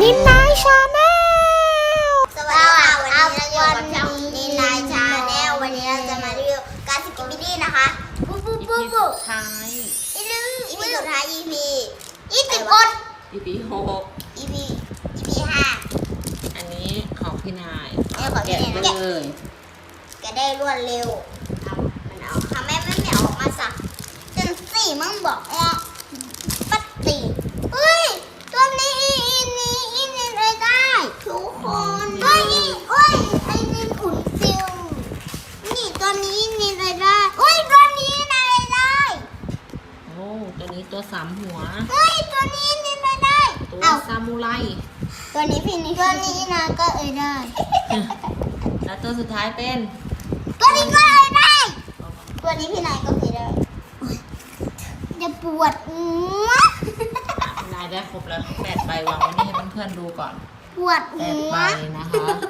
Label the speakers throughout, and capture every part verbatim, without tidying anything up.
Speaker 1: นินนายชาแนล
Speaker 2: สวัสดีค่ะวันนี้เราอยู่กับช่องนินนายชาแนลวันนี้เราจะมารีวิวการสกิปปี้ดี้นะคะปุ๊บปุ๊บปุ๊บปุ๊บ
Speaker 3: ท้าย
Speaker 2: อีนึงอีพีสุดท้าย อี พี ยี่สิบอด
Speaker 3: อีพีหก
Speaker 2: อี พี อี พี ห้า
Speaker 3: อันนี้ของพี่นาย
Speaker 2: เออของพี่
Speaker 3: แกะ
Speaker 2: นาย
Speaker 3: ไปเลย
Speaker 2: แกได้รวดเร็วทำมันเอาทำแม่ไม่เหนียวออกมาสักจนสี่มึงบอกว่าปัดตีเฮ้ยตัวนี้อีนี้อีนี้เลยได้ทุกคนเฮ้ยเฮ้ยไอ้นี่อุ่นฟิวนี่ตัวนี้นี่เลยได้เฮ้ยตัวนี้นะเลยได้
Speaker 3: โอ้ตัวนี้ตัวสามหัว
Speaker 2: เฮ้ยตัวนี้นี่เลยได้
Speaker 3: ตัว
Speaker 2: เอา
Speaker 3: ซามูไร
Speaker 2: ตัวนี้พี่นี่ตัวนี้นะก็เอ้ยได้
Speaker 3: แล้วตัวสุดท้ายเป็น
Speaker 2: ตัวนี้ก็เอ้ยได้ ตัวนี้พี่นายก็เอ้ยได้จะปวดหัว
Speaker 3: พี่นายได้ครบแล้วแปดใบวางไว้นี่ให้เพื่อนๆดูก่อน
Speaker 2: ปวด
Speaker 3: แป
Speaker 2: หั
Speaker 3: ด
Speaker 2: ว
Speaker 3: ใบนะคะ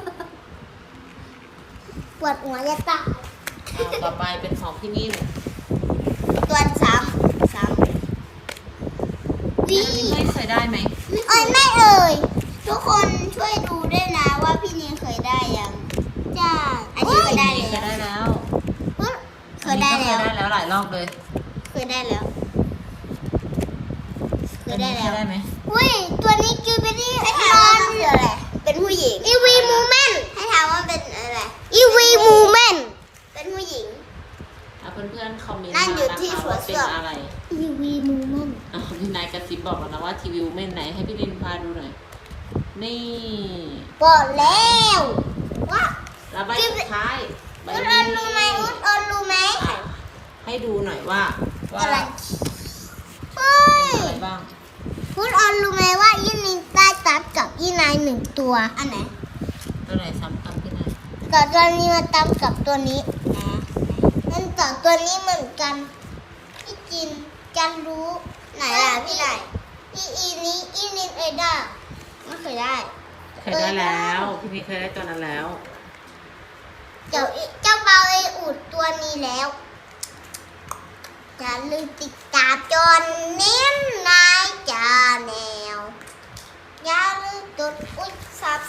Speaker 2: ปวดหัวจะตาย
Speaker 3: เอาต่อไปเป็นของพี่นิ่ม
Speaker 2: ตัวซ้ำซ้ำวี
Speaker 3: อันนี้ไม่เคยได้ไหม
Speaker 2: เอ้ยไม่เอ่ยทุกคนช่วยดูด้วยนะว่าพี่นีเคยได้ยังจ้าอันนี้เคยได้
Speaker 3: อันนี้
Speaker 2: แล้
Speaker 3: เคยว ได้แล้ว
Speaker 2: เคยได้แล้ว
Speaker 3: อันนี้ก็เคยได้แล้วหลายรอบเลย
Speaker 2: เคยได้แล้วเคยได้
Speaker 3: อันนี้
Speaker 2: แล้ว
Speaker 3: เคยได้ไหม
Speaker 2: อุ้ยตัวนี้คือเป็นที่ให้ถามว่ามันคืออะไรเป็นผู้หญิงอีวีมูเมนให้ถามว่าเป็นอะไรอีวีมูเมนเป็นผู้หญิง
Speaker 3: เอาเพื่อนๆคอมเมนต์
Speaker 2: นั่
Speaker 3: มาง
Speaker 2: อยู่
Speaker 3: นะ
Speaker 2: ที่
Speaker 3: คะ
Speaker 2: สวน
Speaker 3: ว่า
Speaker 2: เสื
Speaker 3: เป็น
Speaker 2: อ
Speaker 3: อะไร
Speaker 2: อีวีมูเมน
Speaker 3: อ้าวพี่นายกระซิบบอกแล้วนะว่าทีวีเม่นไหนให้พี่ลินพาดูหน่อย นี่
Speaker 2: บอกแล้วว่า
Speaker 3: แล้วใบสุดท้ายใบ
Speaker 2: อุดอ
Speaker 3: นี้
Speaker 2: นรู้ไหมอุดออนรู้ไหม
Speaker 3: อ่ะให้ดูหน่อยว่าว่า
Speaker 2: อะไร
Speaker 3: เป็น
Speaker 2: เฮ้ย
Speaker 3: อะไรบ้าง
Speaker 2: อุดออนรู้ไหมว่ายีนิงได้ตัดกับยีนายหนึ่งตัวอันไหน
Speaker 3: ตัวไหนซ้ำกันพี่นาย
Speaker 2: กับตัวนี้มาตัดกับตัวนี้นั่นต่อตัวนี้เหมือนกันพี่จินกันรู้ไหนล่ะพี่ไหนอีอีนี้อีนินเอด้าไม่เคยได้
Speaker 3: เคยได้แล้วพี่นี่เคยได้ตัวนั้นแล้ว
Speaker 2: เจ้าเจ้าเบาไออุดตัวนี้แล้วอย่าลืมติดตามจนเน้นนายจาแนวอย่าลืมกดอุ้ยซับ